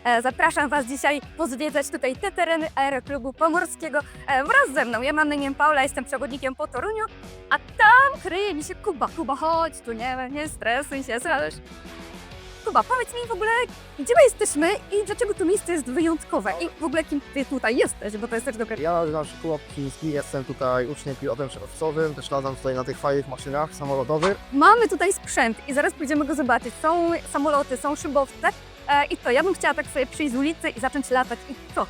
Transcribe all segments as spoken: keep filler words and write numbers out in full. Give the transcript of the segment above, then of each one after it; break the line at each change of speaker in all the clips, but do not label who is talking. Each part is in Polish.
E, zapraszam Was dzisiaj pozwiedzać tutaj te tereny Aeroklubu Pomorskiego e, wraz ze mną. Ja mam na imię Paula, jestem przewodnikiem po Toruniu, a tam kryje mi się Kuba. Kuba, chodź tu, nie, nie stresuj się, ależ... Kuba, powiedz mi w ogóle, gdzie my jesteśmy i dlaczego to miejsce jest wyjątkowe i w ogóle kim Ty tutaj jesteś, bo to jest też dobre.
Ja nazywam się Kuba Piciński, jestem tutaj uczniem pilotem szeregowcowym, też latam tutaj na tych fajnych maszynach samolotowych.
Mamy tutaj sprzęt i zaraz pójdziemy go zobaczyć. Są samoloty, są szybowce e, i to, ja bym chciała tak sobie przyjść z ulicy i zacząć latać i co?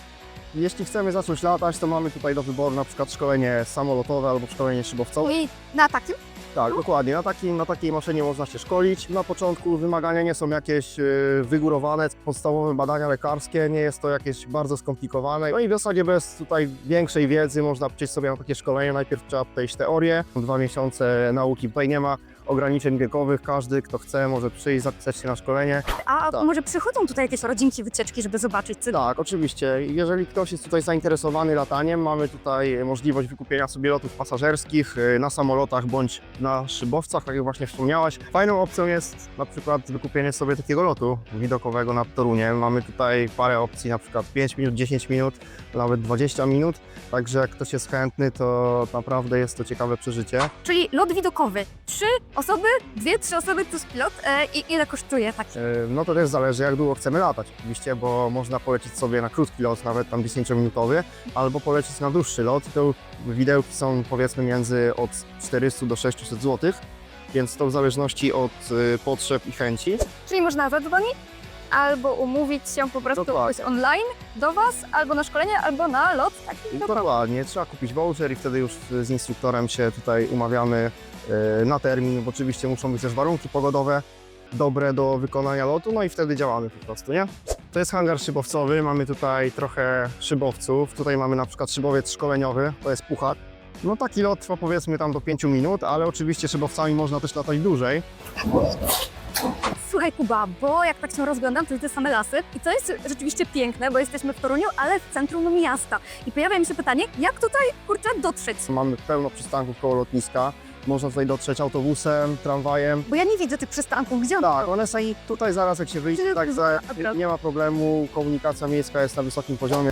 Jeśli chcemy zacząć latać, to mamy tutaj do wyboru na przykład szkolenie samolotowe albo szkolenie szybowcowe.
I na takim?
Tak, dokładnie. Na, takim, na takiej maszynie można się szkolić. Na początku wymagania nie są jakieś yy, wygórowane, podstawowe badania lekarskie, nie jest to jakieś bardzo skomplikowane. No i w zasadzie bez tutaj większej wiedzy można przejść sobie na takie szkolenie. Najpierw trzeba przejść teorię, dwa miesiące nauki. Tutaj nie ma ograniczeń wiekowych, każdy kto chce może przyjść, zapisać się na szkolenie.
A
Tak.
może przychodzą tutaj jakieś rodzinki, wycieczki, żeby zobaczyć co?
Tak, oczywiście. Jeżeli ktoś jest tutaj zainteresowany lataniem, mamy tutaj możliwość wykupienia sobie lotów pasażerskich y, na samolotach bądź na szybowcach, tak jak właśnie wspomniałaś. Fajną opcją jest na przykład wykupienie sobie takiego lotu widokowego nad Toruniem. Mamy tutaj parę opcji, na przykład pięć minut, dziesięć minut, nawet dwadzieścia minut. Także jak ktoś jest chętny, to naprawdę jest to ciekawe przeżycie.
Czyli lot widokowy. Trzy osoby, dwie, trzy osoby plus pilot e, i ile kosztuje taki?
Y, No to też zależy, jak długo chcemy latać oczywiście, bo można polecieć sobie na krótki lot, nawet tam dziesięciominutowy, albo polecieć na dłuższy lot. To widełki są powiedzmy między od czterystu do sześciuset złotych, więc to w zależności od y, potrzeb i chęci.
Czyli można zadzwonić albo umówić się po prostu
Dokładnie.
jakoś online do Was, albo na szkolenie, albo na lot taki widokowy.
Dokładnie, trzeba kupić voucher i wtedy już z instruktorem się tutaj umawiamy y, na termin. Bo oczywiście muszą być też warunki pogodowe dobre do wykonania lotu, no i wtedy działamy po prostu, nie? To jest hangar szybowcowy, mamy tutaj trochę szybowców. Tutaj mamy na przykład szybowiec szkoleniowy, to jest puchar. No taki lot trwa powiedzmy tam do pięciu minut, ale oczywiście szybowcami można też latać dłużej.
Słuchaj Kuba, bo jak tak się rozglądam, to widzę same lasy i to jest rzeczywiście piękne, bo jesteśmy w Toruniu, ale w centrum miasta. I pojawia mi się pytanie, jak tutaj, kurczę, dotrzeć?
Mamy pełno przystanków koło lotniska. Można tutaj dotrzeć autobusem, tramwajem.
Bo ja nie widzę tych przystanków, gdzie one
Tak,
są?
one są i tutaj zaraz jak się wyjdzie, także nie ma problemu, komunikacja miejska jest na wysokim poziomie.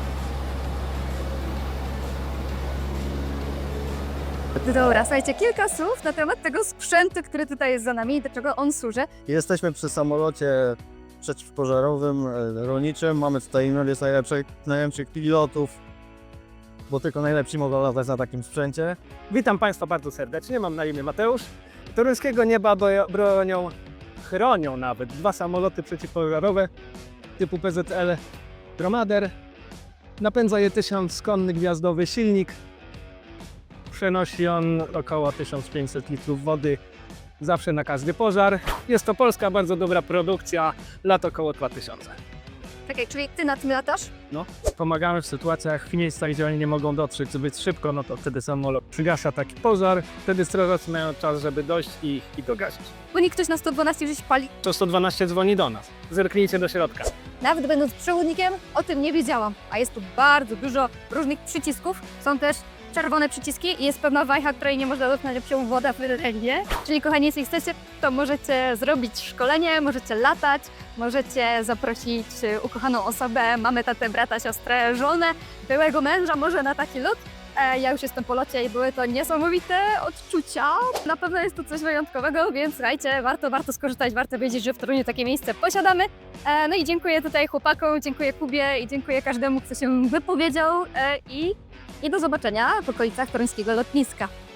Dobra, słuchajcie, kilka słów na temat tego sprzętu, który tutaj jest za nami i do czego on służy.
Jesteśmy przy samolocie przeciwpożarowym, e, rolniczym. Mamy tutaj jedno z najlepszych, najlepszych pilotów, bo tylko najlepsi mogą latać na takim sprzęcie.
Witam Państwa bardzo serdecznie, mam na imię Mateusz. Toruńskiego nieba bojo- bronią, chronią nawet dwa samoloty przeciwpożarowe typu P Z L Dromader. Napędza je tysiąc konny gwiazdowy silnik. Przenosi on około tysiąc pięćset litrów wody zawsze na każdy pożar. Jest to polska bardzo dobra produkcja, lat około dwa tysiące.
Czekaj, czyli ty na tym latasz?
Pomagamy w sytuacjach, w miejscach, gdzie oni nie mogą dotrzeć zbyt szybko, no to wtedy samolot przygasa taki pożar. Wtedy strażacy mają czas, żeby dojść i, i go gasić.
Bo nikt ktoś na sto dwanaście gdzieś pali.
To sto dwanaście dzwoni do nas. Zerknijcie do środka.
Nawet będąc przewodnikiem, o tym nie wiedziałam. A jest tu bardzo dużo różnych przycisków. Są też czerwone przyciski i jest pewna wajcha, której nie można dotknąć, jak się woda wyręgnie. Czyli kochani, jeśli chcecie, to możecie zrobić szkolenie, możecie latać, możecie zaprosić ukochaną osobę, mamy tatę, brata, siostrę, żonę, byłego męża może na taki lot. E, Ja już jestem po locie i były to niesamowite odczucia. Na pewno jest to coś wyjątkowego, więc słuchajcie, warto, warto skorzystać, warto wiedzieć, że w Toruniu takie miejsce posiadamy. E, No i dziękuję tutaj chłopakom, dziękuję Kubie i dziękuję każdemu, kto się wypowiedział e, i, i do zobaczenia w okolicach toruńskiego lotniska.